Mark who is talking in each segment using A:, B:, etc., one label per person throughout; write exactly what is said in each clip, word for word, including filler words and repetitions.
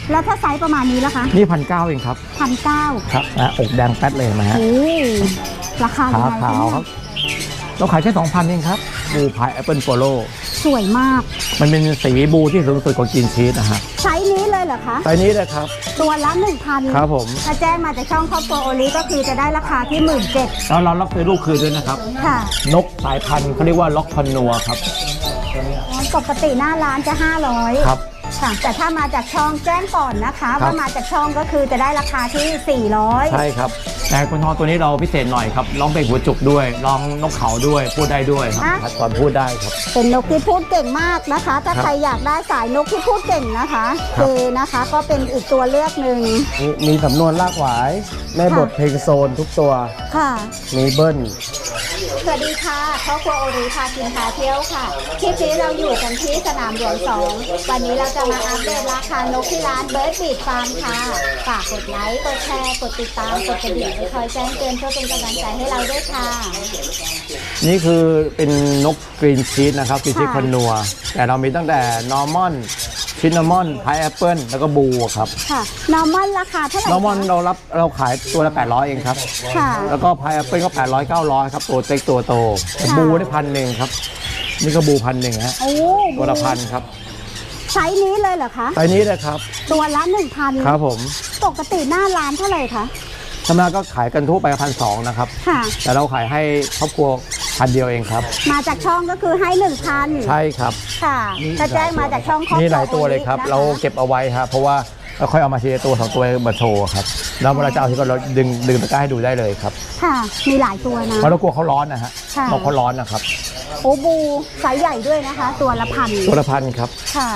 A: แล้วถ้าไซส์ประมาณนี้ล่ะคะ
B: นี่พันเก้าเองครับ
A: พันเก้า
B: ครับนะอกแดงแป๊ดเลยนะฮะ
A: โอ้ราคาขา
B: ขาวครับเราขายแค่สองพันเองครับบูพายแอปเปิลโปโล
A: สวยมาก
B: มันเป็นสีบูที่สูงสุดของจีนชีสนะฮะ
A: ไซส์นี้เลยเหรอคะ
B: ไซส์นี้เลยครับ
A: ตัวละหนึ่งพัน
B: ครับผม
A: ถ้าแจ้งมาจากช่องครอบครัวโอลิก็คือจะได้ราคาที่หมื่นเจ็ด
B: แล้วเรารับซื้อลูกคืนด้วยนะครับ
A: ค่ะ
B: นกสายพันธุ์เขาเรียกว่าล็อกคอนนัวครับ
A: ปกติหน้าร้านจะห้าร้อย
B: ครับ
A: ค่ะแต่ถ้ามาจากช่องแจ้งก่อนนะคะว่ามาจากช่องก็คือจะได้ราคาที่สี่ร้อย
B: ใช่ครับแต่คุณทองตัวนี้เราพิเศษหน่อยครับร้องเพลงหัวจุกด้วยร้องนกเขาด้วยพูดได้ด้วยครับตอนพูดได้ครับ
A: เป็นนกที่พูดเก่งมากนะคะถ้าใครอยากได้สายนกที่พูดเก่งนะคะเจนะคะก็เป็นอีกตัวเลือกหนึ่ง
B: มีสำนวนลากหวายแม่บทเพลงโซนทุกตัว
A: ค่ะ
B: มีเบิ้ล
A: สวัสดีค่ะครอบครัวโอริพากินพาเที่ยวค่ะคลิปนี้เราอยู่กันที่สนามหลวงสองวันนี้เราจะมาอัปเดตราคานกที่ร้านเบิร์ดบีดฟาร์มค่ะฝากกดไลค์กดแชร์กดติดตามกดกระดิ่งคอยแจ้งเตือนเพื่อเป็นกำลังใจให้เราด้วยค่ะ
B: นี่คือเป็นนกกรีนชีสนะครับกรีนชีสคอนนัวแต่เรามีตั้งแต่นอร์มอนชินนามอนพายแอปเปิลแล้วก็บูครับ
A: ค่ะนอร์มอนราคาเท่าไหร่
B: นอร์มอนเรารับเราขายตัวละแปดร้อยเองครับ
A: ค่ะ
B: แล้วก็พายแอปเปิลก็แปดร้อย เก้าร้อยครับตัวเต็กตัวโตบูได้พันหนึ่งครับนี่ก็บูพันหนึ่งฮะตัวละพันครับ
A: ไซส์นี้เลยเหรอคะ
B: ไซส์นี้เลยครับ
A: ตัวละหนึ่งพัน
B: ครับผม
A: ปกติหน้าร้านเท่าไหร่คะ
B: ธรรมดาก็ขายกันทั่วไปพันสองนะครับ
A: ค่ะ
B: แต่เราขายให้ครอบครัวพันเดียวเองครับ
A: มาจากช่องก็คือให้หนึ่งพัน
B: ใช่ครับ
A: ค่ะถ้าแจ้งมาจากช่องครอบครัว
B: นี่หลายตัวเลยครับเราเก็บเอาไว้ครับเพราะว่าเราค่อยเอามาทีละตัวสองตัวมาโชว์ครับแล้วเวลาจะเอาที่ก็เราดึงดึงตะกร้าให้ดูได้เลยครับ
A: ค่ะมีหลายตัวนะ
B: เพราะเรากลัวเขาร้อนนะฮะนกเขาร้อนนะครับ
A: โอ้บูไซส์ใหญ่ด้วยนะคะตัวละพัน
B: ตัวละพันครับ
A: ค่ะ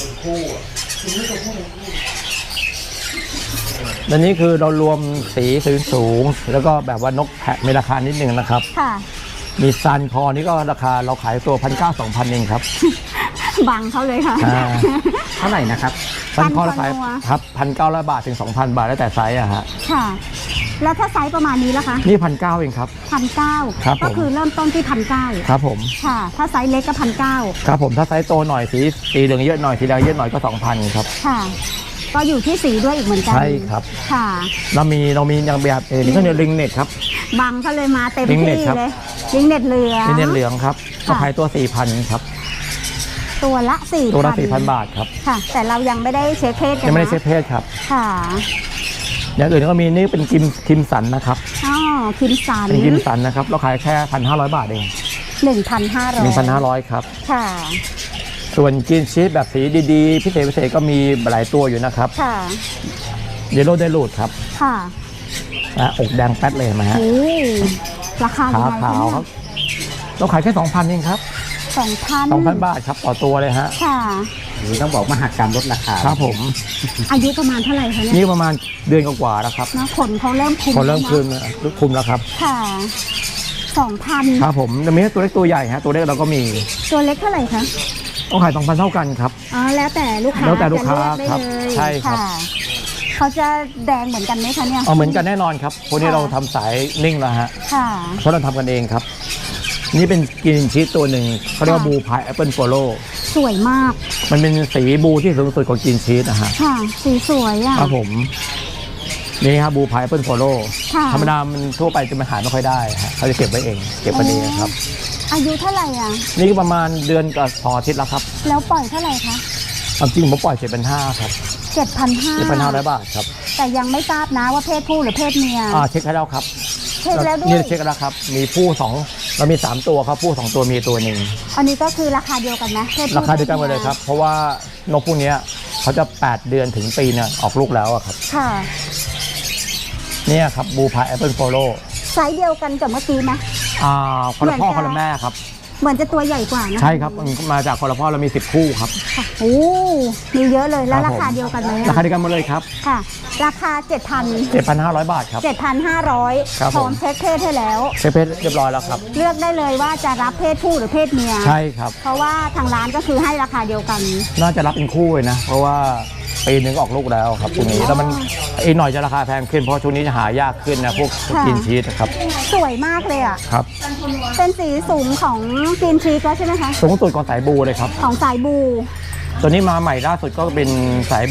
B: อันนี้คือเรารวมสีสูงแล้วก็แบบว่านกแพะมีราคานิดนึงนะครับ
A: ค่ะ
B: มีซันคอนี่ก็ราคาเราขายตัวพันเก้าสองพันเองครับ
A: บังเขาเลยค่ะ
B: เท่าไหร่นะครับซันคอราคาครับพันเก้าร้อยบาทถึงสองพันบาทแล้วแต่ไซส์อะฮะ
A: ค่ะแล้วถ้าไซส์ประมาณนี้ล่ะคะ
B: นี่พันเก้าเองครับ
A: พันเก้าก็คือเริ่มต้นที่พันเก้า
B: ครับผม
A: ค่ะถ้าไซส์เล็กก็พันเก้า
B: ครับผมถ้าไซส์โตหน่อยสีสีเหลืองเยอะหน่อยสีแดงเยอะหน่อยก็สองพันครับ
A: ค่ะก็อยู่ที่สีด้วยอีกเหมือนกัน
B: ใช่ครับ
A: ค่ะ
B: เรามีเรามีอย่างแบบเอนี่ก็เนี่ยลิงเน็ตครับ
A: บังเขาเลยมาเต็มที่เลยลิงเน็ตเหลือง
B: ลิงเน็ตเหลืองครับก็ขายตัวสี่พันครับ
A: ตัวละสี่
B: ตัวละสี่พันบาทครับ
A: ค่ะแต่เรายังไม่ได้เช็คเพศ
B: ยังไม่ได้เช็คเพศครับ
A: ค่ะ
B: อย่างอื่นก็มีนี่เป็นคิมคิมสันนะครับ
A: อ๋อคิมสัน
B: เป็นคิมสันนะครับเราขายแค่พันห้าร้อยบาทเอง
A: หนึ่งพันห้าร้อย
B: หนึ่งพันห้าร้อยครับ
A: ค่ะ
B: ส่วนกินชีสแบบสีดีๆพิเศษพิเศษก็มีหลายตัวอยู่นะครับ
A: ค่ะ
B: เยลโล่ไดรูดครับ
A: ค่ะ
B: นะอกแดงแป๊ดเลยไหมฮะ
A: ราคาข
B: าวครับเราขายแค่สองพันเองครับ
A: สองพัน
B: สองพันบาทครับต่อตัวเลยฮะ
A: ค่ะ
B: นี่ต้องบอกมหากรรมลดราคาครับผม
A: อายุประมาณเท่าไหร่คะเนี่ย
B: นี่ประมาณเดือนกว่าๆแล้วครับ
A: นะขนเขาเริ่มคุม
B: ขนเริ่มคุมคุมแล้วครับ
A: ค่ะสองพัน
B: ครับผมจะมีตัวเล็กตัวใหญ่ฮะตัวเล็กเราก็มี
A: ตัวเล็กเท่าไหร่คะ
B: ต้องขายสองพันเท่ากันครับ
A: อ๋อแล้วแต่ลูกค้า
B: แล้วแต่ลูกค้าครับใช่ครับ
A: เขาจะแดงเหมือนกันไหมคะเนี่ย
B: อ๋อเหมือนกันแน่นอนครับพวกนี้เราทำสายนิ่งแล้วฮะ
A: ค่ะ
B: เพราะเราทำกันเองครับนี่เป็นกรีนชีสตัวหนึ่งเขาเรียกว่าบูพายแอปเปิลโปโล
A: สวยมาก
B: มันเป็นสีบูที่สูงสุดของกรีนชีสนะฮะ
A: ค่ะสีสวยอ่ะ
B: ครับผมนี่ครับบูพายแอปเปิลโปโลธรรมดามันทั่วไปจะมาหาไม่ค่อยได้ฮะเขาจะเก็บไว้เองเก็บไว้นี่ครับ
A: อายุเท่าไหร่อ่ะ
B: นี่ประมาณเดือนกับพออาทิตย์แล้วครับ
A: แล้วปล่อยเท่าไหร่คะ
B: จริงผมปล่อยเจ็ดพันห้าครับ
A: เจ็ดพันห้า
B: เจ็ดพันห้าร้อยบาทครับ
A: แต่ยังไม่ทราบนะว่าเพศผู้หรือเพศเมีย
B: อ่าเช็คให้แล้วครับ
A: เช็คแล้วด้วย
B: นี่เช็คแล้วครับมีผู้สองเรามีสามตัวครับผู้สองตัวมีตัวหนึ่ง
A: อันนี้ก็คือราคาเดียวกันนะ
B: ราคาเดียวกันหมดเลยครับเพราะว่านกพวกนี้เขาจะแปดเดือนถึงปีเนี่ยออกลูกแล้วครับ
A: ค่ะ
B: นี่ครับบูพายแอปเปิลโปโล
A: ไซส์เดียวกันกับเมื่อกี้ไหม
B: อ่าคนละพ่อคนละแม่ครับ
A: เหมือนจะตัวใหญ่กว่านะ
B: ใช่ครับมาจากคนละพ่อเรามีสิบคู่ครับ
A: โอ้มีเยอะเลยแล้วราคาเดียวกันไหม
B: ราคาเดียวกันหมดเลยครับ
A: ค่ะราคาเจ็ดพัน
B: เจ็ดพันห้าร้อยบาทครับ
A: เจ็ดพันห้าร้อยพร้อมเช็คเพศให้แล้ว
B: เช็คเพศเรียบร้อยแล้วครับ
A: เลือกได้เลยว่าจะรับเพศผู้หรือเพศเมีย
B: ใช่ครับ
A: เพราะว่าทางร้านก็คือให้ราคาเดียวกัน
B: น่าจะรับเป็นคู่เลยนะเพราะว่าปีนึงออกลูกแล้วครับช่วงนี้แล้วมันอีกหน่อยจะราคาแพงขึ้นเพราะช่วงนี้จะหายากขึ้นนะพวกกินชีสครับ
A: สวยมากเลยอ่ะ
B: ครับ
A: เป็นสีสูงของกินชีสแล้วใช่ไหมคะ
B: สูงสุดของสายบูเลยครับ
A: ของสายบู
B: ตัวนี้มาใหม่ล่าสุดก็เป็นสาย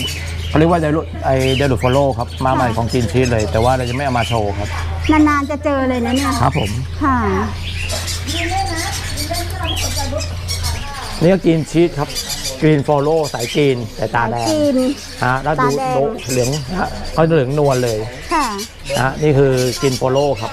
B: เขาเรียกว่าเดลูไอเดลูโฟโลครับมาใหม่ของกินชีสเลย แต่ว่าเราจะไม่เอามาโชว์ครับ
A: นานๆจะเจอเลยนะเนี่ย
B: ครับผม
A: ค่ะ
B: นี่ก็กินชีสครับกรีนโฟโลสายกรีนแต่ตาแดง
A: กิน
B: ฮะแล้วดู
A: ตาแดง
B: ดูเหลืองฮะเขาเหลืองนวลเลย
A: ค่ะ
B: นะฮะนี่คือกินโฟโลครับ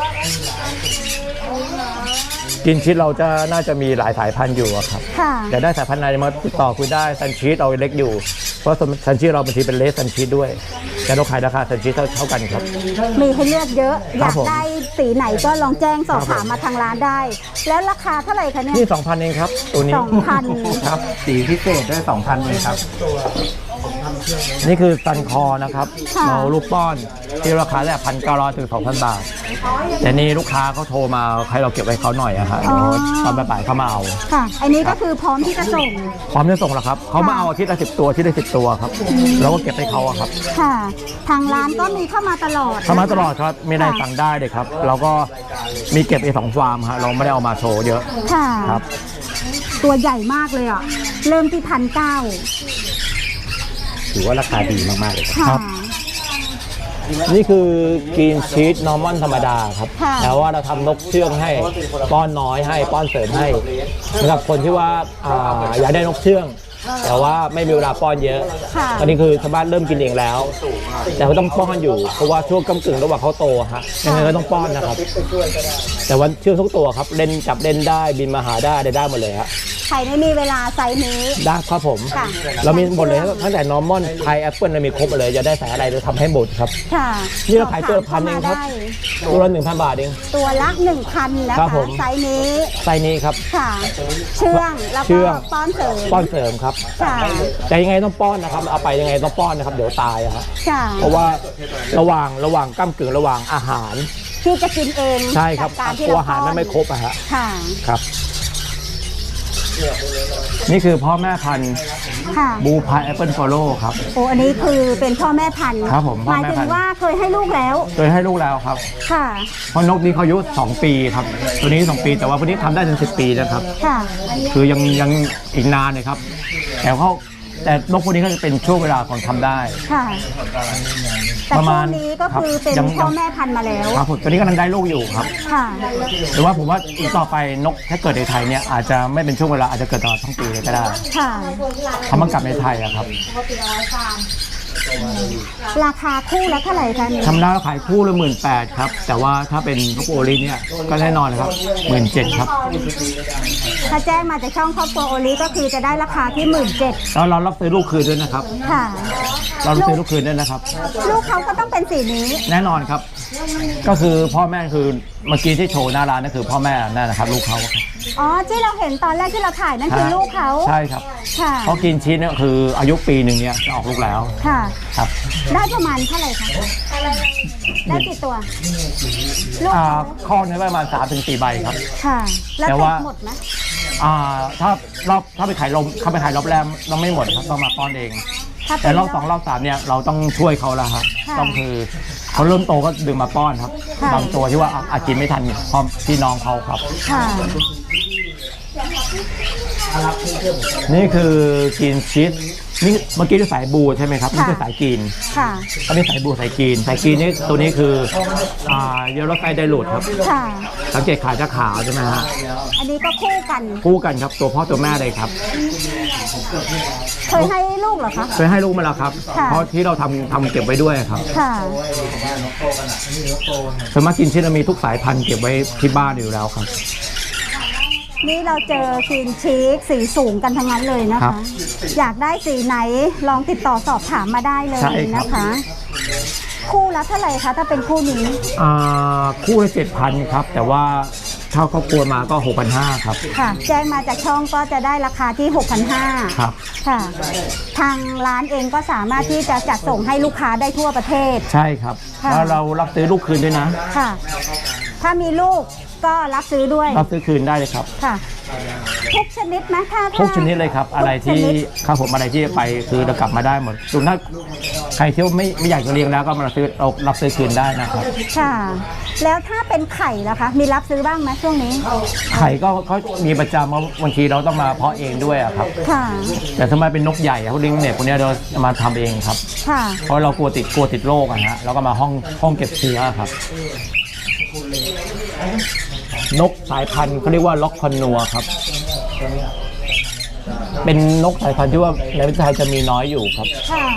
B: กินชีสเราจะน่าจะมีหลายสายพันธุ์อยู่อะครับ
A: ค่ะ
B: แต่ได้สายพันธุ์ไหนมาติดต่อคุยได้ซันชีสเอาเล็กอยู่เพราะซันชีสเราบางทีเป็นเลสซันชีสด้วยแต่เราขายราคาซันชีสเท่าเท่ากันครับ
A: มีให้เลือกเยอะ อ
B: ครั
A: ยา
B: บ
A: ก
B: ผม
A: ได้สีไหนก็ลองแจ้งสอบ
B: ครับผม
A: ถามมาทางร้านได้ แล้วราคาเท่าไหร่คะเนี่ย
B: นี่สองพันเองครับตัวนี้
A: สองพัน
B: ครับสีพิเศษได้สองพันเลยครับนี่คือซันคอนะครับ
A: ค่ะ
B: เราลูกป้อนที่ราคาแค่พันเก้าร้อยถึงสองพันบาทแต่นี่ลูกค้าเขาโทรมาให้เราเก็บไว้เขาหน่อยอะครับเดี๋ยวตอนบ่ายๆเขามาเอา
A: ค่ะ อันนี้ก็คือพร้อมที่จะส่ง
B: พร้อมจะส่งแล้วครับเขามาเอาอาทิตย์ละสิบตัวอาที่ได้สิบตัวครับเราก็เก็บให้เขาอะครับ
A: ค่ะ ทางร้านก็มีเข้ามาตลอด
B: เข้ามาตลอดครับไม่ได้สั่งได้เลยครับเราก็มีเก็บเอสองฟาร์มฮะเราไม่ได้เอามาโชว์เยอะ
A: ค่ะ
B: ครับ
A: ตัวใหญ่มากเลยอ่ะ เริ่มที่พันเก้า
B: ถือว่าราคาดีมากๆเลย
A: ค่ะ
B: ครับ นี่คือกรีนชีสนอร์มอนธรรมดาครับ
A: ค่ะ
B: แต่ว่าเราทำนกเชื่องให้ป้อนน้อยให้ป้อนเสริมให้สำหรับคนที่ว่าอ่าอยากได้นกเชื่อง แต่ว่าไม่มีเวลาป้อนเยอะ
A: ค่ะ
B: ตอนนี้คือชาวบ้านเริ่มกินเองแล้ว แต่ก็ต้องป้อนอยู่เพราะว่าช่วงกำกึ่งระหว่างเขาโตฮะยังไงก็ต้องป้อนนะครับ แต่ว่าเชื่องทุกตัวครับเล่นจับเล่นได้บินมาหาได้ได้ได้หมดเลยฮะ
A: ใครไม่มีเวลาไซส์นี้
B: ได้ครับผม
A: ค่ะ
B: เรามีหมดเลยตั้งแต่นอร์มอนไพแอปเปิลเรามีครบหมดเลยจะได้สายอะไรเราทำให้หมดครับ
A: ค่ะ
B: นี่เราขายตัวละพันเองครับ
A: ได้
B: ตัวละหนึ่งพันบาทเอง
A: ตัวละหนึ่งพันนะ
B: ครั
A: คะ
B: บผม
A: ไซส์นี้
B: ไซส์นี้ครับ
A: ค่ะ เชื่องแล้ว
B: เชื่
A: ก็
B: อง
A: ป้อนเสริม
B: ป้อนเสริมครับ
A: ค่ะ
B: แต่ยังไงต้องป้อนนะครับเอาไปยังไงต้องป้อนนะครับเดี๋ยวตายอะครับ
A: ค่ะ
B: เพราะว่าระหว่างระหว่างก้ากึ่งระหว่างอาหาร
A: ที่จะกินเอง
B: ใช่ครับ
A: จากการที่
B: ตัว
A: เรา
B: อาหารมันไม่ครบอะฮะ
A: ค่ะ
B: ครับ นี่คือพ่อแม่พันธุ์
A: ค่ะ
B: บูพายแอปเปิลฟอลโล่ครับ
A: โอ้อันนี้คือเป็นพ่อแม่พันธุ์
B: ครับผม
A: ห
B: พ่อ
A: มาย
B: แม่
A: ถึ
B: พั
A: ง
B: นธุ์
A: ว่าเคยให้ลูกแล้ว
B: โดยให้ลูกแล้วครับ
A: ค่ะ
B: เพราะนกนี้เขาอายุสองปีครับ ตัวนี้สองปีแต่ว่าพวกนี้ทำได้ถึงสิบปีนะครับ
A: ค่ะ
B: คือยังยังอีกนานเลยครับ แต่เขาแต่นกพวกนี้ก็จะเป็นช่วงเวลาของทำได้
A: ค่ะ แต่
B: ประ
A: ช่
B: มาว ณ
A: งนี้ก็คือ
B: ครับ
A: เป็น
B: ยัง
A: พ่อแม่พันธุ์มาแล้ว
B: ครับผมตัวนี้กำลังได้ลูกอยู่ครับ
A: ค่ะ
B: หรือว่าผมว่าอีกต่อไปนกถ้าเกิดในไทยเนี่ยอาจจะไม่เป็นช่วงเวลาอาจจะเกิดตลอดทั้งปีเลยก็ได้
A: ค่ะ
B: เขามันกลับในไทยอะครับ
A: ราคาคู่ละเท่าไหร่คะนี่
B: ทำได้ขายคู่ละหมื่นแปดครับ แต่ว่าถ้าเป็นนกโอลิเนี่ยก็แน่นอนนะครับหมื่นเจ็ดครับ
A: ถ้าแจ้งมาจากช่องครอบครัวโอลิก็คือจะได้ราคาที่หมื่นเจ็ด
B: แล้วเรารับซื้อลูกคืนด้วยนะครับ
A: ค่ะ
B: เรารับซื้อลูกคืนด้วยนะครับ
A: ลูกเขาก็ต้องเป็นสีนี้
B: แน่นอนครับ ก็คือพ่อแม่คือเมื่อกี้ที่โชว์หน้าร้านนั่นคือพ่อแม่นั่นนะครับลูกเขาครับ
A: อ๋อ ที่เราเห็นตอนแรกที่เราถ่ายนั่นคือลูกเขา
B: ใช่ครับ
A: ค่ะ
B: เพราะกินชีสเนี่ยคืออายุปีหนึ่งเนี่ยจะออกลูกแล้ว
A: ค่ะ
B: ครับ
A: ได้ประมาณเท่าไหร่คะได้กี่ตัว ลูก
B: อ่า
A: เขา
B: ข้อนี้ประมาณสามถึงสี่ใบครับ
A: ค่ะ แล้ว
B: แต่
A: เก็
B: ว่า
A: บหมดไหม
B: อ่าถ้ารอบถ้าไปขายลมเข้าไปขายรอบแรกต้องไม่หมดครับต้องมาป้อนเอง
A: ถ้าเป็
B: แต่
A: น
B: รอบสองรอบสามเนี่ยเราต้องช่วยเขาแล้วครับ
A: ค่ะ
B: ต้องคือเขาเริ่มโตก็ดึงมาป้อนครับ
A: ค่ะ
B: บางตัวที่ว่าอ่ะอาจกินไม่ทันพร้อมพี่น้องเขาครับ
A: ค่ะ
B: นี่คือกินชีสนี่เมื่อกี้ที่สายบูใช่ไหมครับนี่คือสายกิน
A: ค่ะ
B: อันนี้สายบูสายกินสายกินนี่ตัวนี้คืออ่าเยลโลไซไดรูดครับ
A: ค่ะ
B: สังเกตขาจะขาวใช่ไหมฮะ
A: อันนี้ก็คู่กัน
B: คู่กันครับตัวพ่อตัวแม่เลยครับ
A: เคยให้ลูกเหรอคะ
B: เคยให้ลูกมาแล้วครับ
A: ค่ะ
B: เพราะที่เราทำทำเก็บไว้ด้วยครับ
A: ค่ะ
B: ส่วนมากกินชีสเรามีทุกสายพันธุ์เก็บไว้ที่บ้านอยู่แล้วครับ
A: นี่เราเจอครีนชีสสีสูงกันทั้งนั้นเลยนะ
B: ครั
A: คะ
B: บ
A: อยากได้สีไหนลองติดต่อสอบถามมาได้เลย
B: ใช่ครับ
A: นะคะ คู่ละเท่าไหร่คะถ้าเป็นคู่นี้
B: อ่าคู่ละเจ็ดพันครับ แต่ว่าถ้าครอบครัวมาก็หกพันห้าครับ
A: ค่ะ แจ้งมาจากช่องก็จะได้ราคาที่ หกพันห้าร้อย
B: ครับ
A: ค่ะ ทางร้านเองก็สามารถที่จะจัดส่งให้ลูกค้าได้ทั่วประเทศ
B: ใช่ครับ
A: ค่ะ
B: แล้วเรารับซื้อลูกคืนด้วยนะ
A: ค่ะ ถ้ามีลูกก็รับซื้อด้วย
B: รับซื้อคืนได้เลยครับ
A: ค่ะทุกชนิดไหมถ้า
B: ทุกชนิดเลยครับอะไรที่ครับผมอะไรที่ไปคือเรากลับมาได้หมดส่วนถ้าใครที่ไม่ไม่อยากจะเลี้ยงแล้วก็มาซื้อเรารับซื้อคืนได้นะครับ
A: ค่ะแล้วถ้าเป็นไข่ล่ะคะมีรับซื้อบ้างไหมช่วงนี้
B: ไข่ก็เขามีประจำเพราะบางทีเราต้องมาเพาะเองด้วยอะครับ
A: ค่ะ
B: แต่ทำไมเป็นนกใหญ่เขาเลี้ยงเนี่ยพวกนี้เรามาทำเองครับ
A: ค่ะ
B: เพราะเรากลัวติดกลัวติดโรคอะฮะเราก็มาห้องห้องเก็บเชื้อครับนกสายพันธุ์เขาเรียกว่าล็อกคอนนัวครับเป็นนกสายพันธุ์ที่ว่าในประเทศไทยจะมีน้อยอยู่ครับ
A: ค่ะ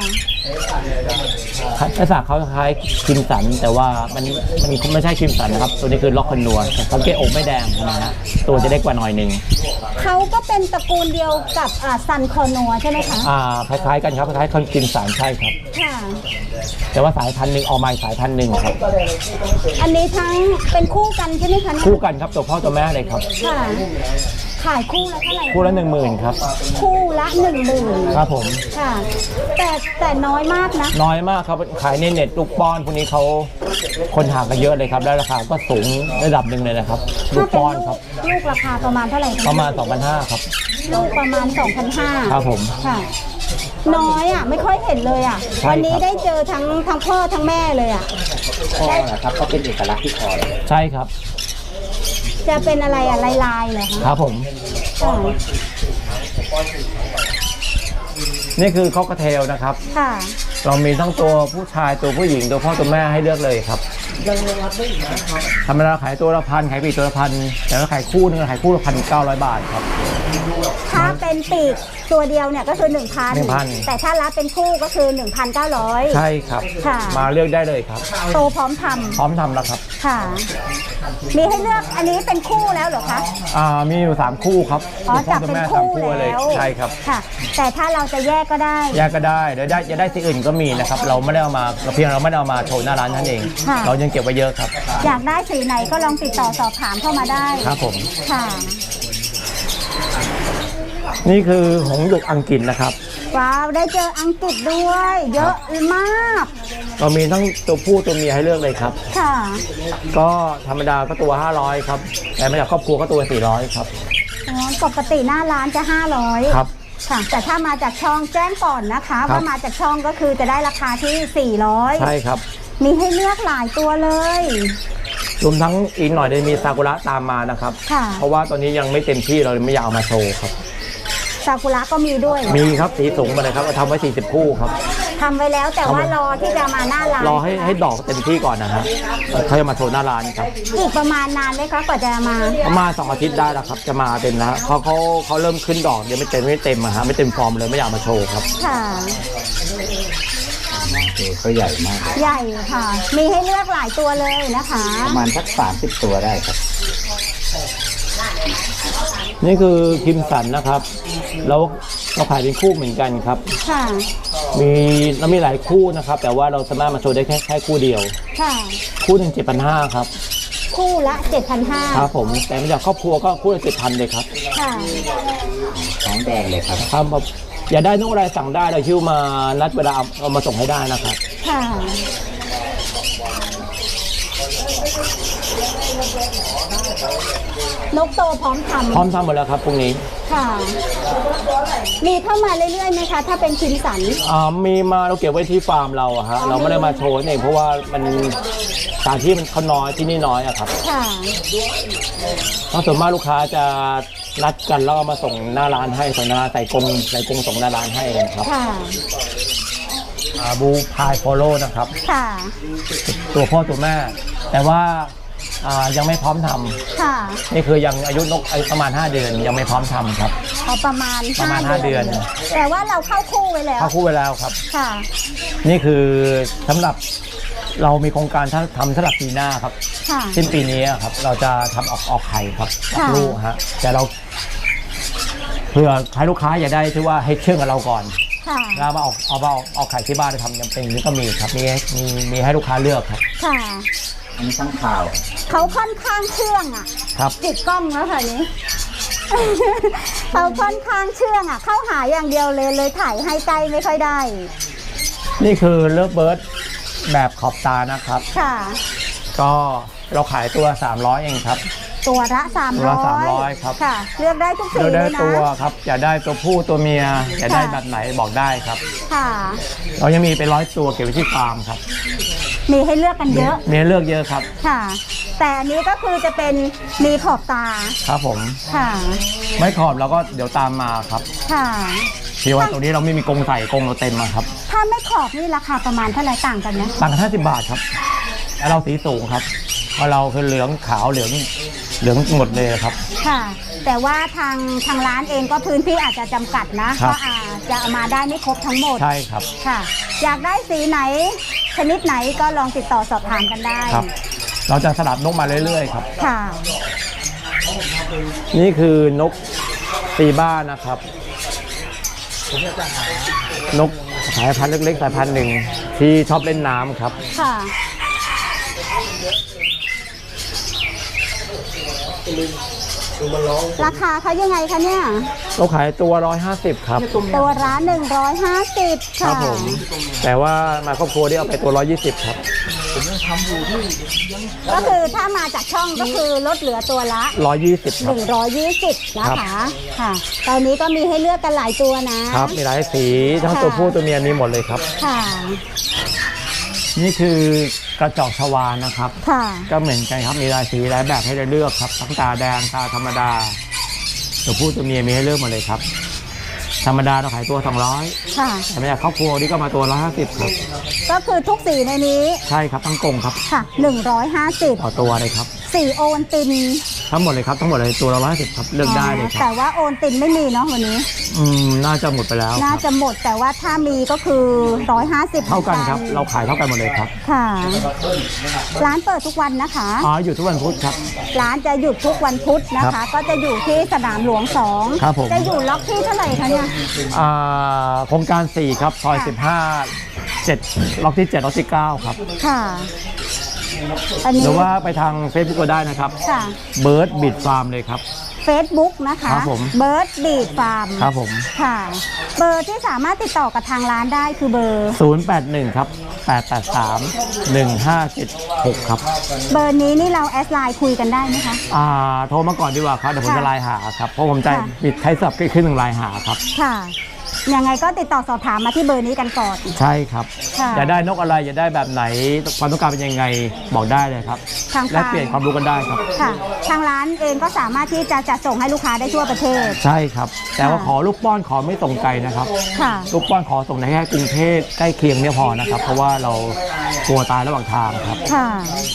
B: ลักษณะเขาคล้ายคิมสันแต่ว่ามันมันไม่ใช่คิมสันนะครับตัวนี้คือล็อกคอนนัวสังเกตอกไม่แดงนะฮะตัวจะเล็กกว่าหน่อยหนึ่ง
A: เขาก็เป็นตระกูลเดียวกับอ่าซันคอนัวใช่ไหมคะ
B: อ่าคล้ายๆกันครับคล้ายๆคิมสันใช่ครับ
A: ค่ะ
B: แต่ว่าสายพันธุ์หนึ่งออกมาสายพันธุ์หนึ่งครับ
A: อันนี้ทั้งเป็นคู่กันใช่ไหมคะ
B: คู่กันครับตัวพ่อตัวแม่เลยครับ
A: ค่ะขายคู่ละเท่าไหร่
B: คู่ละหนึ่งหมื่นครับ
A: คู่ละหนึ่งหมื่น
B: ครับผม
A: ค่ะแต่แต่น้อยมากนะ
B: น้อยมากครับขายในเน็ตลูกป้อนพวกนี้เขาคนหากันเยอะเลยครับแล้วราคาก็สูงระดับหนึ่งเลยนะครับลูกป้อนครับ
A: ลูกราคาประมาณเท่าไหร่
B: ประมาณ สองพันห้าร้อย ครับ
A: ลูกประมาณ สองพันห้าร้อย
B: ครับผม
A: ค่ะน้อยอ่ะไม่ค่อยเห็นเลยอ่ะวันนี้ได้เจอทั้งทั้งพ่อทั้งแม่เลยอ่ะ
C: พ่อนะครับก็เป็นเอกลักษณ์ที่คอเลย
B: ใช่ครับ
A: จะเป็นอะไรอ่ะลายลายเหรอคะ
B: ครับผมนี่คือคอกเทลนะครับ
A: ค่ะ
B: เรามีทั้งตัวผู้ชายตัวผู้หญิงตัวพ่อตัวแม่ให้เลือกเลยครับธรรมดาขายตัวละพันขายปีกตัวละพันแต่ถ้าขายคู่นึงขายคู่ละพันเก้าร้อยบาทครับ
A: ถ้าเป็นปีกตัวเดียวเนี่ยก็คือหนึ่งพันแต่ถ้ารับเป็นคู่ก็คือหนึ่งพันเก้าร้อย
B: ใช่ครับมาเลือกได้เลยครับ
A: โตพร้อมทำ
B: พร้อมทำแล้วครับ
A: ค่ะมีให้เลือกอันนี้เป็นคู่แล้วเหรอคะ
B: อ่ามีอยู่สามคู่ครับ
A: อ๋อจับเป็นคู่แล้ว
B: ใช่ครับ
A: ค่ะแต่ถ้าเราจะแยกก็ได้
B: แยกก็ได้เดี๋ยวได้จะได้สีอื่นก็มีนะครับเราไม่ได้เอามาเพียงเราไม่ได้เอามาโชว์หน้าร้านนั่นเองเรายังเก็บไว้เยอะครับ
A: อยากได้สีไหนก็ลองติดต่อสอบถามเข้ามาได้
B: ครับผม
A: ค่ะ
B: นี่คือหงส์หยกอังกฤษนะครับ
A: ว้าวได้เจออังกฤษด้วยเยอะมาก
B: เรามีทั้งตัวผู้ตัวเมียให้เลือกเลยครับ
A: ค่ะ
B: ก็ธรรมดาก็ตัวห้าร้อยครับแต่มาจากครอบครัวก็ตัวสี่ร้อยครับ
A: อ๋อปกติหน้าร้านจะห้าร้อย
B: ครับ
A: ค่ะแต่ถ้ามาจากช่องแจ้งก่อนนะคะว่ามาจากช่องก็คือจะได้ราคาที่สี่ร้อย
B: ใช่ครับ
A: มีให้เลือกหลายตัวเลย
B: รวมทั้งอีกหน่อยจะมีซากุระตามมานะครับเพราะว่าตอนนี้ยังไม่เต็มที่เราเลยไม่อยากเอามาโชว์ครับ
A: ซากุระก็มีด้วย
B: มีครับสีสูงมาเลยครับเราทำไว้สี่สิบคู่ครับ
A: ทำไว้แล้วแต่ว่ารอที่จะมาหน้าร้าน
B: รอให้ให้ดอกเต็มที่ก่อนนะฮะเขาจะมาโชว์หน้าร้านครับ
A: อีกประมาณนานไหมคะกว่าจะมา
B: ประมาณสองอาทิตย์ได้แล้วครับจะมาเต็มแล้วเขาเขาเขาเริ่มขึ้นดอกเดี๋ยวไม่เต็มไม่เต็มอะฮะไม่เต็มฟอร์มเลยไม่อยากมาโชว์ครับ
A: ค่ะ
C: เขาใหญ่มาก
A: ใหญ่ค่ะมีให้เลือกหลายตัวเลยนะคะ
C: ประมาณสักสามสิบตัวได้ครับ
B: นี่คือคิมสันนะครับแล้วเราขายเป็นคู่เหมือนกันครับ
A: ค่ะ
B: มีเรามีหลายคู่นะครับแต่ว่าเราสามารถมาโชว์ได้แค่แค่คู่เดียว
A: ค่ะ
B: คู่หนึ่งเจ็ดพันห้าครับ
A: คู่ละเจ็ดพันห้า
B: ครับผมแต่มาจากครอบครัวก็คู่ละเจ็ดพันเลยครับ
A: ค่ะ
C: ท้องแดงเลยครับ
B: ครับอยากได้นกอะไรสั่งได้เราคิวมานัดเวลาเอามาส่งให้ได้นะครับ
A: ค่ะนกโตพร้อมทำ
B: พร้อมทำหมดแล้วครับพรุ่งนี้
A: ค่ะมีเข้ามาเรื่อยๆไหมคะถ้าเป็นคิมสัน
B: อ่ามีมาเราเก็บไว้ที่ฟาร์มเราอะฮะเราไม่ได้มาโชว์เองเพราะว่ามันสถานที่มันเขาน้อยที่นี่น้อยอะครับ
A: ค่ะ
B: เพราะส่วนมากลูกค้าจะนัดกันแล้วมาส่งหน้าร้านให้ส่งหน้าใส่กรงใส่กรงส่งหน้าร้านให้กันครับ
A: ค่ะ
B: บูพายโฟโล่นะครับ
A: ค่ะ
B: ตัวพ่อตัวแม่แต่ว่ายังไม่พร้อมทำ
A: ค่ะ
B: นี่คือยังอายุนกประมาณห้าเดือนยังไม่พร้อมทำครับ
A: เอาประมาณ
B: ประมาณห้าเดือน
A: แต่ว่าเราเข้าคู่ไว้แล้ว
B: เข้าคู่ไว้แล้วครับ
A: ค่ะ
B: นี่คือสำหรับเรามีโครงการทำสำหรับปีหน้าครับสิ้นปีนี้ครับเราจะทำออกออกไข่ครับลูกฮะแต่เราเพื่อใครลูกค้าอย่าได้ที่ว่าให้เชื่องกับเราก่อนแล้วมาออกเอามาออกไข่ที่บ้านทำยังเป็นนี้ก็มีครับมีมีมีให้ลูกค้าเลือกครับ
A: ค่ะ
C: อันนี้ตั้งข่าว
A: เขาค่อนข้างเชื่องอ่ะ
B: ครับ
A: ติดกล้องแล้วค่ะนี้เขาค่อนข้างเชื่องอ่ะเข้าหาอย่างเดียวเลยเลยถ่ายให้ใกล้ไม่ค่อยได้
B: นี่คือเลิฟเบิร์ดแบบขอบตานะครับ
A: ค่ะ
B: ก็เราขายตัวสามร้อยเองครับ
A: ตัวละสาม
B: ตัว
A: ร้
B: ละ
A: อย
B: สามร้อยครับ
A: ค่ะ เลือกได้ทุกสี
B: เรา
A: เล
B: ได้
A: ยนะ
B: ตัวครับอยากได้ตัวผู้ตัวเมียอยากได้
A: ค่ะ
B: แบบไหนบอกได้ครับ
A: ค่ะ
B: เรายังมีเป็นร้อยตัวเก็บไว้ที่ฟาร์มครับ
A: มีให้เลือกกันเยอะ
B: มีให้เลือกเยอะครับ
A: ค่ะ แต่อันนี้ก็คือจะเป็นมีขอบตา
B: ครับผม
A: ค่ะ
B: ไม่ขอบเราก็เดี๋ยวตามมาครับ
A: ค่ะ
B: ที่ว่าตรงนี้เราไม่มีกรงใส่กรงเราเต็มมาครับ
A: ถ้าไม่ขอบนี่ราคาประมาณเท่าไหร่ต่างกันไหม
B: ต่างกันห้าสิบบาทครับแล้วเราสีสูงครับเพราะเราคือเหลืองขาวเหลืองเหลืองหมดเลยครับ
A: ค่ะ แต่ว่าทางทางร้านเองก็พื้นที่อาจจะจำกัดนะครับ ก็อาจจะเอามาได้ไม่ครบทั้งหมด
B: ใช่ครับ
A: ค่ะ อยากได้สีไหนชนิดไหนก็ลองติดต่อสอบถามกันได้
B: ครับ เราจะสลับนกมาเรื่อยๆครับ
A: ค่ะ
B: นี่คือนกตีบ้านนะครับ นกสายพันธุ์เล็กๆสายพันธุ์หนึ่งที่ชอบเล่นน้ำครับ
A: ค่ะ ราคาเขายังไงคะเนี่ย
B: เราขายตัวร้อยห้าสิบครับ
A: ตัวร้านหนึ่งร้อยห้าสิบ
B: ครั
A: ค่ะ
B: บผมแต่ว่ามาครอบครัวที่เอาไปตัวร้อยยี่สิบครับ
A: ก็คือถ้ามาจากช่องก็คือลดเหลือตัวละ
B: ร้อยยี่สิบครับ
A: หนึ่งร้อยยี่สิบนะ
B: ครั
A: คะ
B: บ
A: ค่ะ ตอนนี้ก็มีให้เลือกกันหลายตัวนะครับ
B: มีหลายสีทั้งตัวผู้ตัวเมียมีหมดเลยครับ
A: ค่ะ
B: นี่คือกระจอกชวานะครับ
A: ค่ะ
B: ก็เหมือนกันครับมีหลายสีหลายแบบให้ได้เลือกครับทั้งตาแดงตาธรรมดาตัวผู้ตัวเมียมีให้เลือกหมดเลยครับ ธรรมดาเราขายตัวสองร้อย
A: ค่ะ
B: แต่ไม่อยากครอบครัวนี่ก็มาตัวละห้าสิบครับ
A: ก็คือทุกสีในนี้
B: ใช่ครับทั้งกรงครับ
A: ค่ะหนึ่งร้อยห้าสิบ
B: ต่อตัวเลยครับ
A: สีโอนติน
B: ทั้งหมดเลยครับทั้งหมดเลยตัวละร้อยห้าสิบครับเลือกได้เลยค
A: แต่
B: รับ
A: ว่าโอนตินไม่มีเนาะวันนี้
B: อืมน่าจะหมดไปแล้วค
A: น่า
B: รับ
A: จะหมดแต่ว่าถ้ามีก็คือร้อยห้าสิบ
B: เท่ากันครับเราขายเท่ากันหมดเลยครับ
A: ค่ะ ร้านเปิดทุกวันนะคะ
B: อ๋ออยู่ทุกวันพุธครับ
A: ร้านจะหยุดทุกวันพุธนะ
B: ครั
A: คะ
B: บ
A: ก็จะอยู่ที่สนามหลวงสอง
B: ครับผม
A: จะอยู่ล็อกที่เท่าไหร่คะเนี่ย
B: อ่าโครงการสี่ครับซอย
A: ค่ะ
B: สิบห้า เจ็ดล็อกที่เจ็ดล็อกที่เก้าครับ
A: ค่ะ อันนี้
B: หรือว่าไปทาง Facebook ก็ได้นะครับ
A: ค่ะ
B: เบิร์ดบิดฟาร์มเลยครับ
A: Facebook นะคะ
B: ครับผม
A: เบิร์ดบีดฟาร์ม
B: ครับผม
A: ค่ะ เบอร์ที่สามารถติดต่อกับทางร้านได้คือเบอร์
B: ศูนย์ แปด หนึ่ง ครับ แปด แปด สาม หนึ่ง ห้า เจ็ด หก ครับ
A: เบอร์นี้นี่เราแอดไลน์คุยกันได้ไหมคะ
B: อ่าโทรมาก่อนดีกว่าครับเดี๋ยวผม
A: ค่ะ
B: จะไลน์หาครับเพราะผมจะ
A: ค่ะ
B: ปิดใช้สับขึ้นหนึ่งไลน์หาครับ
A: ค่ะ ยังไงก็ติดต่อสอบถามมาที่เบอร์นี้กันก่อน
B: ใช่ครับ
A: ค่ะ
B: อยากได้นกอะไรอยากได้แบบไหนความต้องการเป็นยังไงบอกได้เลยครับ
A: ทาง
B: แลกเปลี่ยนความรู้กันได้ครับ
A: ค่ะ ทางร้านเองก็สามารถที่จะจัดส่งให้ลูกค้าได้ทั่วประเทศ
B: ใช่ครับ แต่ว่าขอลูกป้อนขอไม่ส่งไกลนะครับ
A: ค่ะ
B: ลูกป้อนขอส่งในแค่กรุงเทพใกล้เคียงเนี่ยพอนะครับ เพราะว่าเรากลัวตายระหว่างทางครับ
A: ค่ะ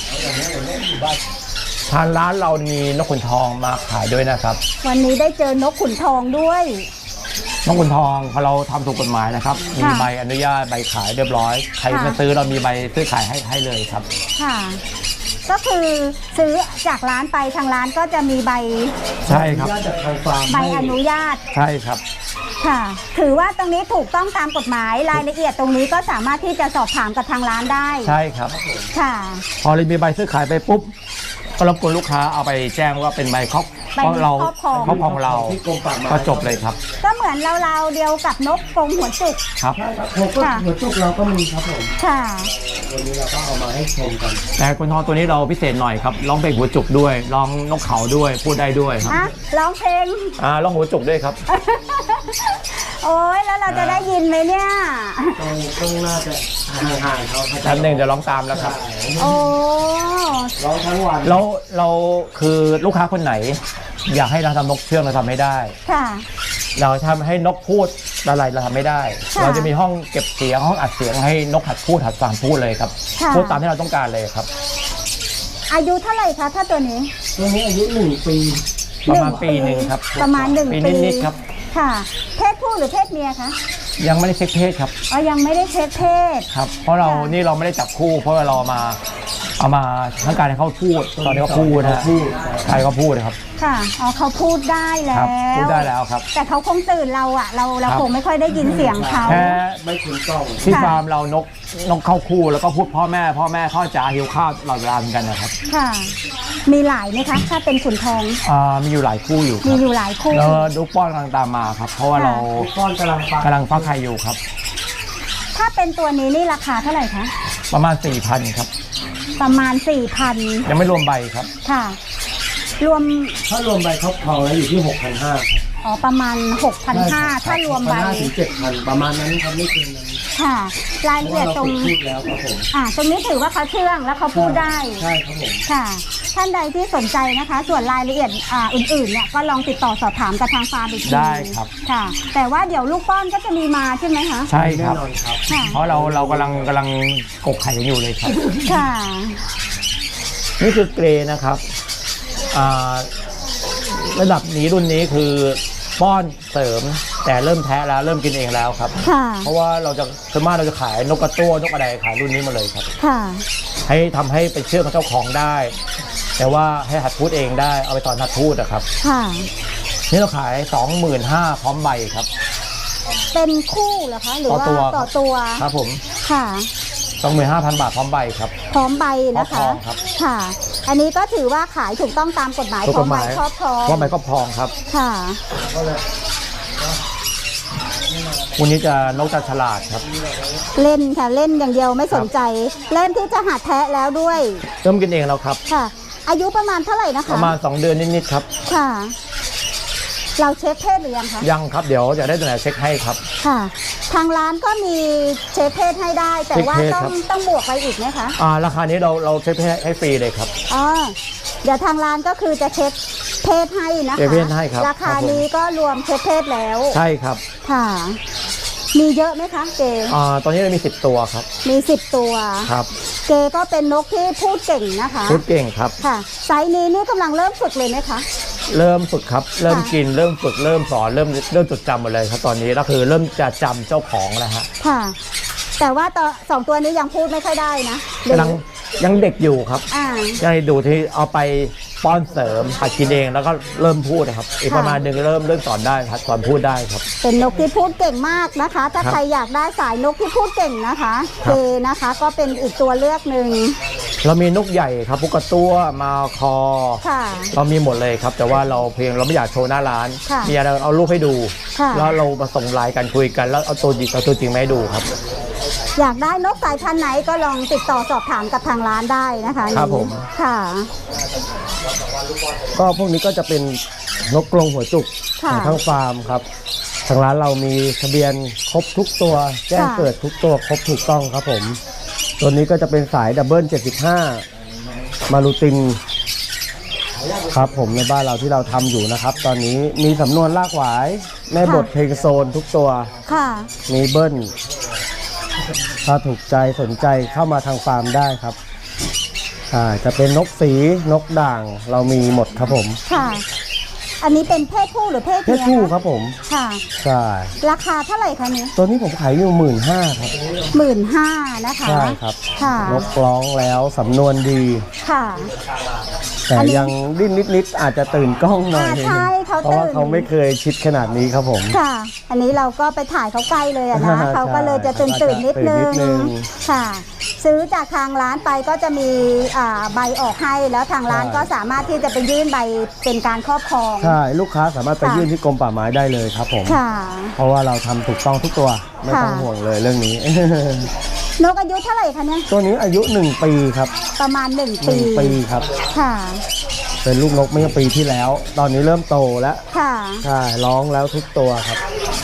B: ทางร้านเรามีนกขุนทองมาขายด้วยนะครับ
A: วันนี้ได้เจอนกขุนทองด้วย
B: นกขุนทองพอเราทำถูกกฎหมายนะครับ มี
A: ค่ะ
B: ใบอนุญาตใบขายเรียบร้อย ใคร
A: ค่ะ
B: มาซื้อเรามีใบซื้อขายให้ให้เลยครับ
A: ค่ะ ก็คือซื้อจากร้านไปทางร้านก็จะมีใบ
B: ใช่ครับ
A: ใบอนุญาต
B: ใช่ครับ
A: ค่ะ ถือว่าตรงนี้ถูกต้องตามกฎหมายรายละเอียดตรงนี้ก็สามารถที่จะสอบถามกับทางร้านได้
B: ใช่ครับ
A: ค่ะ
B: พอเรามีใบซื้อขายไปปุ๊บก็รบกวนลูกค้าเอาไปแจ้งว่าเป็นใบครอบ
A: ใบ
B: เพราะเรา
A: ครอบครอง
B: ครอบครองเราก็จบเลยครับ
A: ก็เหมือนเราๆเดียวกับนกกรงหัวจุก
B: ครับ
A: ค่ะ
D: หัวจุกเราก็มีครับผม
A: ค่ะ
D: วันนี้เราก็เอามาให้ชมกัน
B: แต่ขุนทองตัวนี้เราพิเศษหน่อยครับร้องเพลงหัวจุกด้วยร้องนกเขาด้วยพูดได้ด้วยครับ
A: อ่ะร้องเพลง
B: อ่าร้องหัวจุกด้วยครับ
A: โอ้ยแล้วเราจะได้ยินไหมเนี่ย
D: ต้องต้องน่าจะห่างๆเขาเขาจะ
B: แป๊บหนึงเดี๋ยวร้องตามแล้วครับ
A: โอ้
D: ร้องทั้งวัน
B: เราเราคือลูกค้าคนไหน อยากให้เราทำนกเชื่องเราทำไม่ได้
A: ค่ะ
B: เราทำให้นกพูดอะไรเราทำไม่ได้
A: ค่ะ
B: เราจะมีห้องเก็บเสียงห้องอัดเสียงให้นกหัดพูดหัดฟังพูดเลยครับ
A: ค่ะ
B: พูดตามที่เราต้องการเลยครับ
A: อายุเท่าไหร่คะถ้าตัวนี้
D: ตัวนี้อายุหนึ่งปี
B: ประมาณปีหนึ่งครับ
A: ประมาณหนึ่ง
B: ปี
A: ปี
B: นิดๆครับ
A: ค่ะ เพศผู้หรือเพศเมียคะ
B: ยังไม่ได้เช็คเพศครับ
A: อ๋อยังไม่ได้เช็คเพศ
B: ครับ เพราะเรา
A: ค่ะ
B: นี่เราไม่ได้จับคู่ เพราะว่าเรามาเอามาทั้งการให้เขาพูดตอนนี้เขาพูดนะใครเขาพูดนะครับ
A: ค่ะอ๋อเขาพูดได้แล้
B: ครับ
A: ว
B: พูดได้แล้วครับ
A: แต่เขาคงตื่นเราอะเราเรา
B: ครับ
A: คงไม่ค่อยได้ยินเสียงเขา
B: แค่
D: ไม่คุ้นกล้อง
B: ที่
A: ค่ะ
B: ฟาร์มเรานกนกเข้าคู่แล้วก็พูดพ่อแม่ พ่อแม่เข้าจ๋าหิวข้าวตลอดเวลาเหมือนกันนะครับ
A: ค่ะ มีหลายไหมคะ ถ้าเป็นขุนทอง
B: อ่ามีอยู่หลายคู่อยู่ค
A: มี
B: รับ
A: อยู่หลายคู่
B: แล้วลูกป้อนกำลังตามมาครับ เพราะว่า
A: ค่ะ
B: เรา
D: ก้อนกำลังฟัง
B: กำลังฟักไข่อยู่ครับ
A: ถ้าเป็นตัวนี้นี่ราคาเท่าไหร่คะ
B: ประมาณ สี่พัน ครับ
A: ประมาณสี่พัน
B: ยังไม่รวมใบครับ
A: ค่ะรวม
D: ถ้ารวมใบครอบครองแล้วอยู่ที่หกพันห้า
A: อ๋อประมาณ หกพันห้าร้อย ถ้ารวมใบ
D: ถึงเจ็ดพันประมาณนั้นครับไม่เกินนั้น
A: ค่ะ รายละเอียดตรง
D: พูดแล้วครับผม
A: อ่าตรงนี้ถือว่าเขาเชื่องแล้วเขาพูดได้
D: ใช่ครับผม
A: ค่ะ ท่านใดที่สนใจนะคะ ส่วนรายละเอียดอ่าอื่นๆเนี่ยก็ลองติดต่อสอบถามกับทางฟาร์มอีกที
B: ได้ครับ
A: ค่ะ แต่ว่าเดี๋ยวลูกป้อนก็จะมีมาใช่ไหมคะ
B: ใช่ค
D: แน่
B: รับ
D: นอนครับ
A: ค่ะ
B: เพราะเราเรากำลังกำลังกกไข่กันอยู่เลยครับ
A: ค่ะ
B: นี่คือเกรย์นะครับอ่าระดับนี้รุ่นนี้คือป้อนเสริม แต่เริ่มแท้แล้วเริ่มกินเองแล้วครับ
A: ค่ะ
B: เพราะว่าเราจะส่วนมากเราจะขายนกกระตั้วนกอะไรขายรุ่นนี้มาเลยครับ
A: ค่ะ
B: ให้ทำให้ไปเชื่อมกับเจ้าของได้ แต่ว่าให้หัดพูดเองได้เอาไปสอนหัดพูดนะครับ
A: ค่ะ
B: นี่เราขาย สองหมื่นห้าพัน พร้อมใบครับ
A: เป็นคู่เหรอคะ หรือว่า
B: ต่อตัว
A: ต่อตัว
B: ครับผม
A: ค่ะ
B: สองหมื่นห้าพัน บาทพร้อมใบครับ
A: พร้อมใบนะ
B: ครอบคร
A: คะ
B: องครับ
A: ค่ะ อันนี้ก็ถือว่าขายถูกต้องตามกฎหมาย
B: ถูก
A: พร้
B: ก
A: อม
B: ฎห
A: ใบ
B: มาย
A: ครอบครอง
B: พร้อมใบครอบครองครับ
A: ค่ะ
B: วันนี้จะนกจะฉลาดครับ
A: เล่นค่ะ เล่นอย่างเดียวไม่สนใจ เล่นที่จะหัดแทะแล้วด้วย
B: เริ่มกินเองแล้วครับ
A: ค่ะ อายุประมาณเท่าไหร่นะ
B: ป
A: คะ
B: ระมาณสองเดือนนิดๆครับ
A: ค่ะ เราเช็คเพศหรือยังคะ
B: ยังครับเดี๋ยวจะได้ตัวไหนเช็คให้ครับ
A: ค่ะ ทางร้านก็มีเช็คเพศให้ได้ แต่ว่า
B: เช็คเพศ
A: ต้อ
B: ครั
A: ง
B: บ
A: ต้องบวกไปอีกไหมคะ
B: อ่าราคานี้เราเราเช็คให้ให้ฟรีเลยครับ
A: อ๋อ เดี๋ยวทางร้านก็คือจะเช็คเพศให้นะคะ
B: เช็คเพศให้ครับ
A: ราคา
B: ครับผม
A: นี้ก็รวมเช็คเพศแล้ว
B: ใช่ครับ
A: ค่ะ มีเยอะไหมคะ เก
B: อ่าตอนนี้เรามีสิบตัวครับ
A: มีสิบตัว
B: ครับ
A: เกก็เป็นนกที่พูดเก่งนะคะ
B: พูดเก่งครับ
A: ค่ะ ไซส์นี้นี่กำลังเริ่มฝึกเลยไหมคะ
B: เริ่มฝึกครับ เริ่ม
A: ค่ะ
B: กินเริ่มฝึกเริ่มสอนเริ่มเริ่มจดจำหมดเลยครับตอนนี้ก็คือเริ่มจะจำเจ้าของแล้วฮะ
A: ค่ะ แต่ว่าตัวสองตัวนี้ยังพูดไม่ค่อยได้นะหรือก
B: ำลังยังเด็กอยู่ครับ
A: อ่า
B: ยังดูที่เอาไปป้อนเสริมหัดกินเองแล้วก็เริ่มพูดนะครับ อีก
A: ค่ะ
B: ประมาณหนึ่งเริ่มเริ่มสอนได้ครับสอนพูดได้ครับ
A: เป็นนกที่พูดเก่งมากนะคะ ถ้า
B: ครับ
A: ใครอยากได้สายนกที่พูดเก่งนะคะ
B: ครั
A: เก
B: บ
A: นะคะ ก็เป็นอีกตัวเลือกหนึ่ง
B: เรามีนกใหญ่ครับพุกกระตั้วมาคอ
A: ค่ะ
B: เรามีหมดเลยครับ แต่ว่าเราเพียงเราไม่อยากโชว์หน้าร้าน
A: ค่ะ
B: มีอะไรเอารูปให้ดู
A: ค่ะ
B: แล้วเรามาส่งไลน์กันคุยกัน แล้วเอาตัวจริงเอาตัวจริงมาให้ดูครับ
A: อยากได้นกสายพันธุ์ไหนก็ลองติดต่อสอบถามกับทางร้านได้นะคะ
B: ครับ
A: นี่
B: ผม
A: ค่ะ
D: ก็พวกนี้ก็จะเป็นนกกรงหัวจุก
A: ค่ะ
D: ของทั้งฟาร์มครับทางร้านเรามีทะเบียนครบทุกตัว แจ้ง
A: ค่ะ
D: เกิดทุกตัวครบถูกต้องครับผม ตัวนี้ก็จะเป็นสายดับเบิลเจ็ดสิบห้ามารูตินครับผมในบ้านเราที่เราทำอยู่นะครับ ตอนนี้มีสำนวนลากหวาย แม่บทเพลงโซนทุกตัว
A: ค่ะ
D: มีเบิ้ลถ้าถูกใจสนใจเข้ามาทางฟาร์มได้ครับอ่าจะเป็นนกสีนกด่างเรามีหมดครับผม
A: ค่ะ อันนี้เป็นเพศผู้หรือเพศ
D: เพ
A: เมี
D: ศ
A: ย
D: ผู้
A: คะ
D: ครับผม
A: ค่ะ
D: ใช่
A: ราคาเท่าไหร่คะนี้
D: ตัวนี้ผมขายอยู่หมื่นห้าครับ
A: หมื่นห้านะคะ
D: ใช่ครับ
A: ค่ะ
D: นกร้องแล้วสำนวนดี
A: ค่ะ
D: แต่
A: อันนี้
D: ยังดิ้นนิดๆอาจจะตื่นกล้องหน่อย
A: อ่าใช่เขา
D: เพราะว่า
A: ตื่น
D: เขาไม่เคยชิดขนาดนี้ครับผม
A: ค่ะ อันนี้เราก็ไปถ่ายเขาใกล้เลยอะนะ
D: ใช่
A: เขาก็เลยจะตื่นตื่นๆนิดนึ
D: ตื่นนิดนึ
A: ง
D: ง
A: ค่ะ ซื้อจากทางร้านไปก็จะมีอ่าใบออกให้แล้วทางร้าน
D: ใช่
A: ก็สามารถที่จะไปยื่นใบเป็นการครอบครอง
D: ใช่ลูกค้าสามารถไป
A: ค่ะ
D: ยื่นที่กรมป่าไม้ได้เลยครับผม
A: ค่ะ
D: เพราะว่าเราทำถูกต้องทุกตัวไม่ต้อง
A: ค่ะ
D: ห่วงเลยเรื่องนี้
A: นกอายุเท่าไหร่คะเนี่ย
D: ตัวนี้อายุหนึ่งปีครับ
A: ประมาณหนึ่ง
D: ห
A: ปี
D: นึ่งปีครับ
A: ค่ะ
D: เป็นลูกนกเมื่อปีที่แล้ว ตอนนี้เริ่มโตแล้ว
A: ค่ะ
D: ใช่ร้องแล้วทุกตัวครับ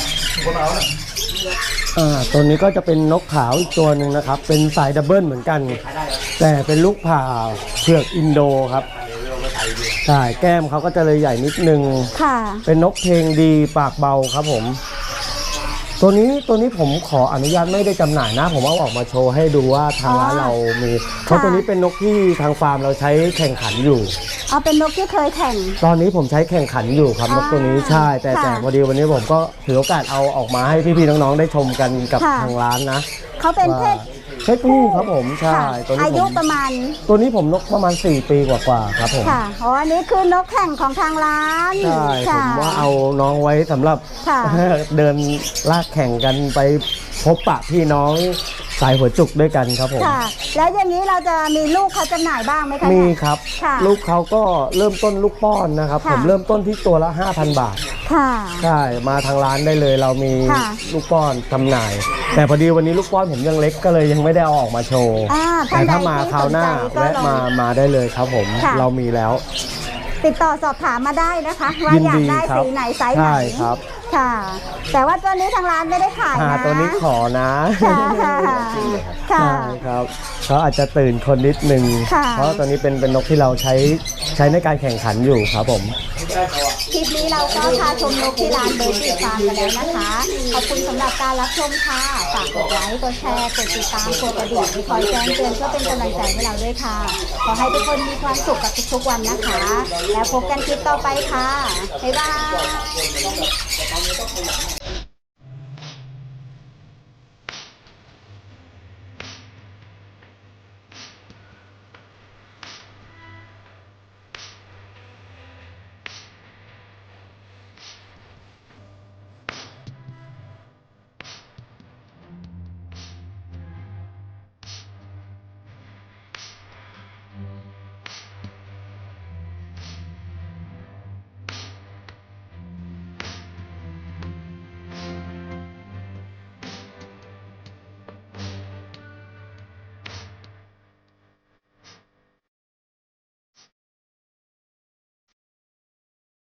D: อ่าตัวนี้ก็จะเป็นนกขาวอีกตัวหนึ่งนะครับ เป็นสายดับเบิลเหมือนกัน แต่เป็นลูกผ่าเผือกอินโดครับใช่แก้มเขาก็จะเลยใหญ่นิดนึง
A: ค่ะ
D: เป็นนกเพลงดีปากเบาครับผม ตัวนี้ตัวนี้ผมขออนุญาตไม่ได้จำหน่ายนะ ผมเอาออกมาโชว์ให้ดูว่าทางร้านเรามี เพราะตัวนี้เป็นนกที่ทางฟาร์มเราใช้แข่งขันอยู่
A: เอาเป็นนกที่เคยแข่ง
D: ตอนนี้ผมใช้แข่งขันอยู่ครับ
A: อ่าน
D: กตัวนี้ใช่ แต่
A: ค่ะ
D: แต่พอดีวันนี้ผมก็ถือโอกาสเอาออกมาให้พี่ๆน้องๆได้ชมกันกับ
A: ค่ะ
D: ทางร้านนะ
A: เขาเป็นเพศ
D: เพศผู้ครับผมใช่
A: ค่ะ
D: ตัวนี้
A: อา
D: ผ
A: ยุ
D: ม
A: ประมาณ
D: ตัวนี้ผมนกประมาณสี่ปีกว่าๆครับผม
A: ค่ะอ๋ออันนี้คือนกแข่งของทางร้าน
D: ใช่ผ
A: ค่ะ
D: มว่าเอาน้องไว้สำหรับ
A: ค่ะ
D: เดินลากแข่งกันไปพบปะพี่น้องสายหัวจุกด้วยกันครับผม
A: ค่ะ แล้วอย่างนี้เราจะมีลูกเขาจำหน่ายบ้างไหมคะ
D: มี
A: เนี่ย
D: ครับ
A: ค่ะ
D: ลูกเขาก็เริ่มต้นลูกป้อนนะครับ
A: ค่ะ
D: ผมเริ่มต้นที่ตัวละ ห้าพัน บาท
A: ค่ะ
D: ใช่มาทางร้านได้เลยเรามี
A: ค่ะ
D: ลูกป้อนจำหน่าย แต่พอดีวันนี้ลูกป้อนผมยังเล็กก็เลยยังไม่ได้เอาออกมาโชว์
A: อ่าท่า
D: แต่
A: นใด
D: ถ้ามา
A: ที่
D: คราวหน้า
A: สนใจก็
D: แวะ
A: ลอง
D: มามาได้เลยครับผม
A: ค่ะ
D: เรามีแล้ว
A: ติดต่อสอบถามมาได้นะคะ ว่า
D: ยิน
A: อยาก
D: ดี
A: ได้
D: ครับ
A: สีไหนไซส์ไหน
D: ใช่ครับ
A: ค่ะ แต่ว่าตัวนี้ทางร้านไม่ได้ขาย
D: อ่า
A: นะ
D: ตัวนี้ขอนะ
A: ค่ะค่ะ
D: ใช่ครับเขาอาจจะตื่นคนนิดนึง
A: ค่ะ
D: เพราะตัวนี้เป็นเป็นนกที่เราใช้ใช้ในการแข่งขันอยู่ครับผม
A: คลิปนี้เราก็พาชมนกที่ร้านเบอร์บีฟาร์มกันแล้วนะคะ ขอบคุณสำหรับการรับชมค่ะ ฝากกดไลค์ กดแชร์ กดติดตาม กดกระดิ่งคอยแจ้งเตือนเพื่อเป็นกำลังใจให้เราด้วยค่ะ ขอให้ทุกคนมีความสุขกับทุกๆวันนะคะ แล้วพบกันคลิปต่อไปค่ะ บ๊ายบาย